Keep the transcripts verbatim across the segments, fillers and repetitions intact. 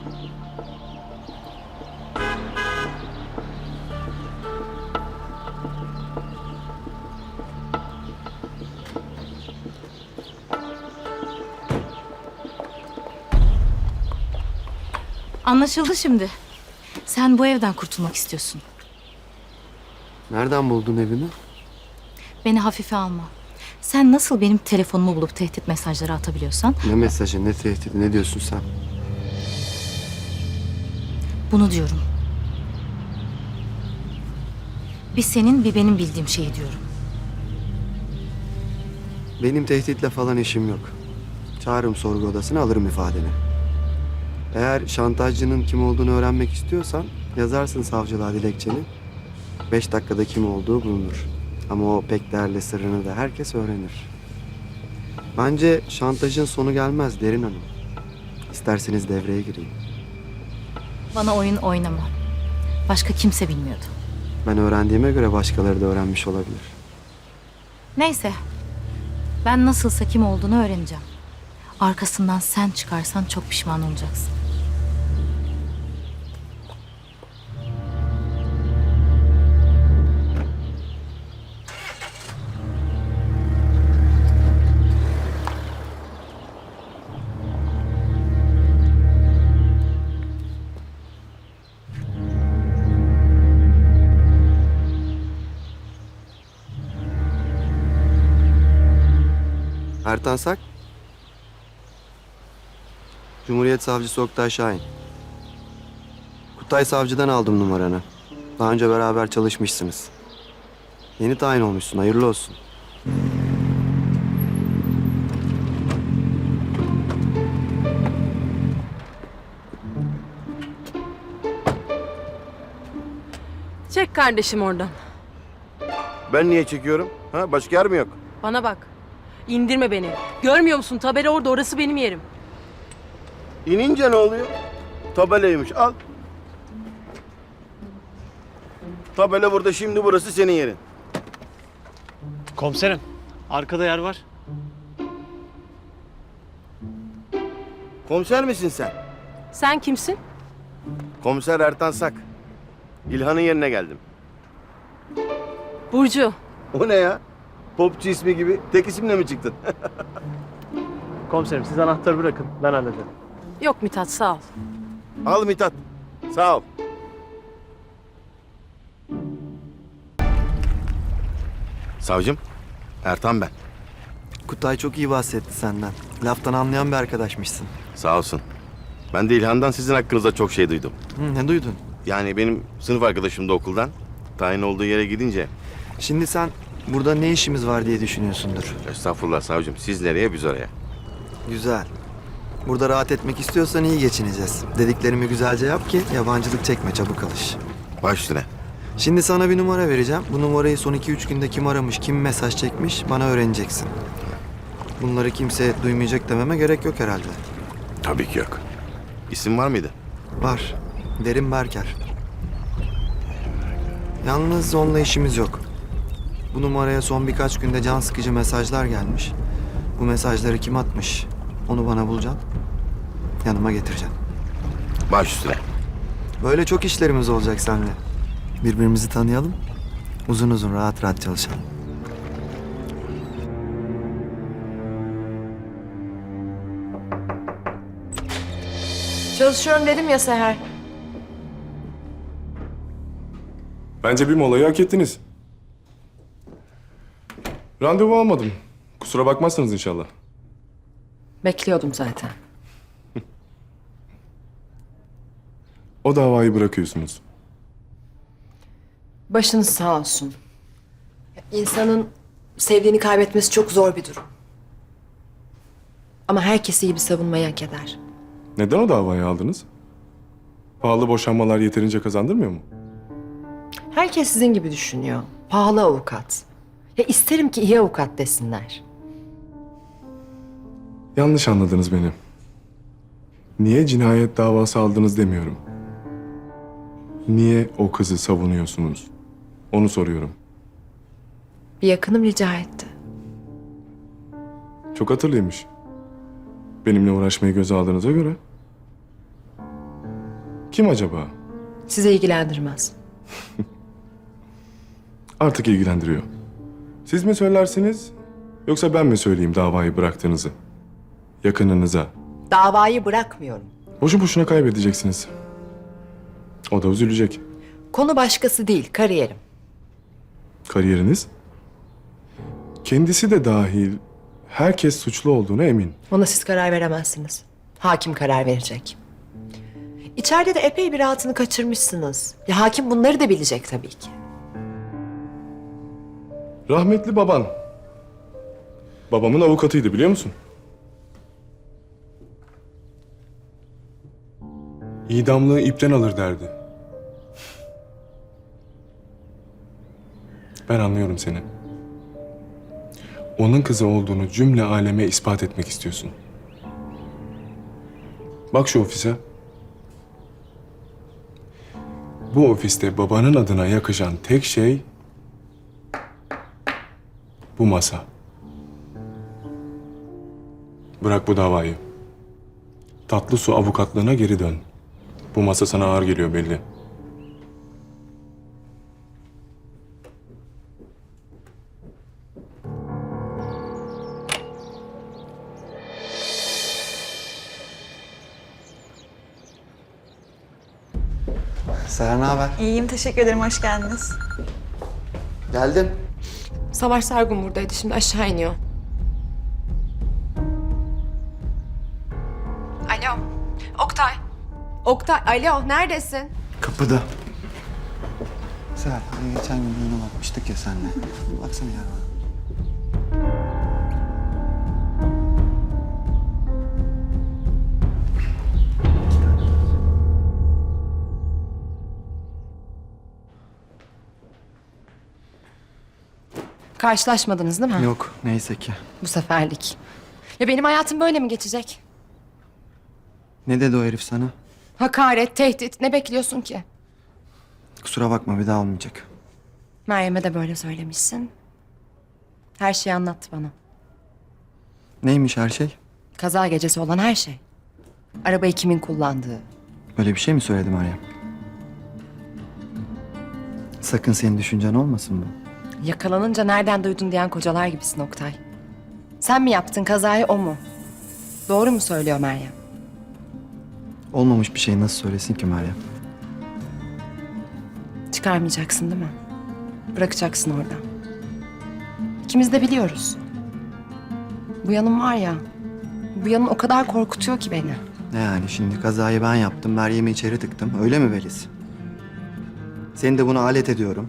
Anlaşıldı şimdi. Sen bu evden kurtulmak istiyorsun. Nereden buldun evini? Beni hafife alma. Sen nasıl benim telefonumu bulup tehdit mesajları atabiliyorsan... Ne mesajı, ne tehdidi, ne diyorsun sen? Bunu diyorum. Bir senin bir benim bildiğim şeyi diyorum. Benim tehditle falan işim yok. Çağırırım sorgu odasına, alırım ifadeni. Eğer şantajcının kim olduğunu öğrenmek istiyorsan yazarsın savcılığa dilekçeni. Beş dakikada kim olduğu bulunur. Ama o pek değerli sırrını da herkes öğrenir. Bence şantajın sonu gelmez Derin Hanım. İsterseniz devreye gireyim. Bana oyun oynama. Başka kimse bilmiyordu. Ben öğrendiğime göre başkaları da öğrenmiş olabilir. Neyse. Ben nasılsa kim olduğunu öğreneceğim. Arkasından sen çıkarsan çok pişman olacaksın. Ertan Sak. Cumhuriyet Savcısı Oktay Şahin. Kutay Savcı'dan aldım numaranı. Daha önce beraber çalışmışsınız. Yeni tayin olmuşsun, hayırlı olsun. Çek kardeşim oradan. Ben niye çekiyorum? Ha, başka yer mi yok? Bana bak. İndirme beni. Görmüyor musun? Tabela orada. Orası benim yerim. İnince ne oluyor? Tabelaymış, al. Tabela burada, şimdi burası senin yerin. Komiserim, arkada yer var. Komiser misin sen? Sen kimsin? Komiser Ertan Sak. İlhan'ın yerine geldim. Burcu. O ne ya? Popçu ismi gibi tek isimle mi çıktın? Komiserim, siz anahtarı bırakın, ben hallederim. Yok Mithat, sağ ol. Al Mithat. Sağ ol. Savcım, Ertan ben. Kutay çok iyi bahsetti senden. Laftan anlayan bir arkadaşmışsın. Sağ olsun. Ben de İlhan'dan sizin hakkınızda çok şey duydum. Hı, ne duydun? Yani benim sınıf arkadaşım da okuldan. Tayin olduğu yere gidince... Şimdi sen burada ne işimiz var diye düşünüyorsundur. Estağfurullah savcım, siz nereye biz oraya. Güzel. Burada rahat etmek istiyorsan iyi geçineceğiz. Dediklerimi güzelce yap ki yabancılık çekme, çabuk alış. Baş üstüne. Şimdi sana bir numara vereceğim. Bu numarayı son iki üç günde kim aramış, kim mesaj çekmiş bana öğreneceksin. Bunları kimse duymayacak dememe gerek yok herhalde. Tabii ki yok. İsim var mıydı? Var. Derin Berker. Yalnız onunla işimiz yok. Bu numaraya son birkaç günde can sıkıcı mesajlar gelmiş. Bu mesajları kim atmış? Onu bana bulacaksın. Yanıma getireceksin. Baş üstüne. Böyle çok işlerimiz olacak seninle. Birbirimizi tanıyalım. Uzun uzun rahat rahat çalışalım. Çalışıyorum dedim ya Seher. Bence bir molayı hak ettiniz. Randevu almadım. Kusura bakmazsınız inşallah. Bekliyordum zaten. O davayı bırakıyorsunuz. Başınız sağ olsun. İnsanın sevdiğini kaybetmesi çok zor bir durum. Ama herkes iyi bir savunmayı hak eder. Neden o davayı aldınız? Pahalı boşanmalar yeterince kazandırmıyor mu? Herkes sizin gibi düşünüyor. Pahalı avukat. Ya isterim ki iyi avukat desinler. Yanlış anladınız beni. Niye cinayet davası aldınız demiyorum. Niye o kızı savunuyorsunuz? Onu soruyorum. Bir yakınım rica etti. Çok hatırlıymış. Benimle uğraşmayı göze aldığınıza göre. Kim acaba? Size ilgilendirmez. Artık ilgilendiriyor. Siz mi söylersiniz yoksa ben mi söyleyeyim davayı bıraktığınızı? Yakınınıza. Davayı bırakmıyorum. Boşu boşuna kaybedeceksiniz. O da üzülecek. Konu başkası değil, kariyerim. Kariyeriniz? Kendisi de dahil herkes suçlu olduğuna emin. Ona siz karar veremezsiniz. Hakim karar verecek. İçeride de epey bir rahatını kaçırmışsınız. Ya hakim bunları da bilecek tabii ki. Rahmetli baban. Babamın avukatıydı biliyor musun? İdamlığı ipten alır derdi. Ben anlıyorum seni. Onun kızı olduğunu cümle aleme ispat etmek istiyorsun. Bak şu ofise. Bu ofiste babanın adına yakışan tek şey bu masa. Bırak bu davayı. Tatlı su avukatlığına geri dön. Bu masa sana ağır geliyor belli. Seher ne haber? İyiyim, teşekkür ederim. Hoş geldiniz. Geldim. Savaş Sargun buradaydı, şimdi aşağı iniyor. Alo, Oktay. Oktay, alo, neredesin? Kapıda. Seher, hani geçen gün düğüne bakmıştık ya seninle. Bir baksana ya bana. Karşılaşmadınız değil mi? Yok, neyse ki. Bu seferlik. Ya benim hayatım böyle mi geçecek? Ne dedi o herif sana? Hakaret, tehdit, ne bekliyorsun ki? Kusura bakma, bir daha olmayacak. Meryem'e de böyle söylemişsin. Her şeyi anlattı bana. Neymiş her şey? Kaza gecesi olan her şey. Arabayı kimin kullandığı. Böyle bir şey mi söyledi Meryem? Sakın senin düşüncen olmasın bu. Yakalanınca nereden duydun diyen kocalar gibisin Oktay. Sen mi yaptın kazayı, o mu? Doğru mu söylüyor Meryem? Olmamış bir şey nasıl söylesin ki Meryem? Çıkarmayacaksın değil mi? Bırakacaksın orada. İkimiz de biliyoruz. Bu yanım var ya, bu yanın o kadar korkutuyor ki beni. Ne yani şimdi kazayı ben yaptım, Meryem'i içeri tıktım. Öyle mi Beliz? Seni de buna alet ediyorum.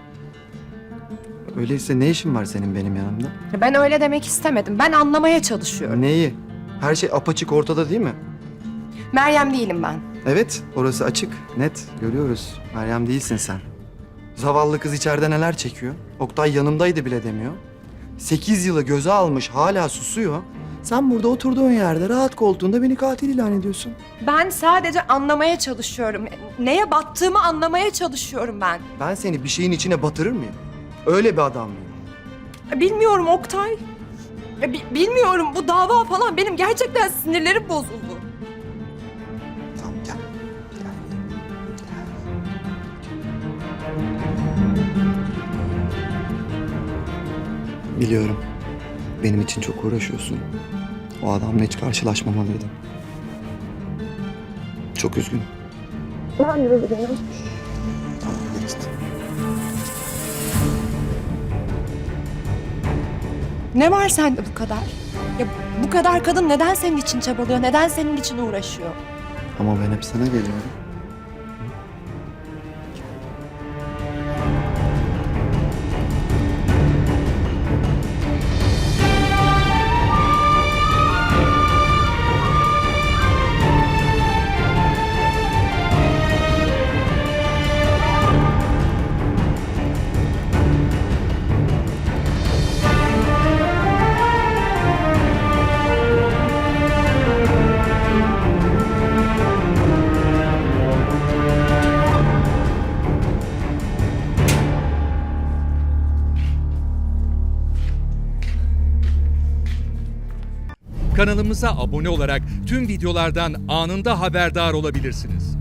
Öyleyse ne işin var senin benim yanımda? Ya ben öyle demek istemedim. Ben anlamaya çalışıyorum. Neyi? Her şey apaçık ortada değil mi? Meryem değilim ben. Evet, orası açık, net. Görüyoruz. Meryem değilsin sen. Zavallı kız içeride neler çekiyor? Oktay yanımdaydı bile demiyor. Sekiz yılı göze almış, hala susuyor. Sen burada oturduğun yerde, rahat koltuğunda beni katil ilan ediyorsun. Ben sadece anlamaya çalışıyorum. Neye battığımı anlamaya çalışıyorum ben. Ben seni bir şeyin içine batırır mıyım? Öyle bir adam mıyım? Bilmiyorum Oktay. Ya bi- bilmiyorum, bu dava falan benim gerçekten sinirlerim bozuldu. Tamam gel. Biliyorum. Benim için çok uğraşıyorsun. O adamla hiç karşılaşmamalıydım. Çok üzgünüm. Ben de üzgünüm. Tamam geçti. Ne var sende bu kadar? Ya bu kadar kadın neden senin için çabalıyor? Neden senin için uğraşıyor? Ama ben hep sana geliyorum. Kanalımıza abone olarak tüm videolardan anında haberdar olabilirsiniz.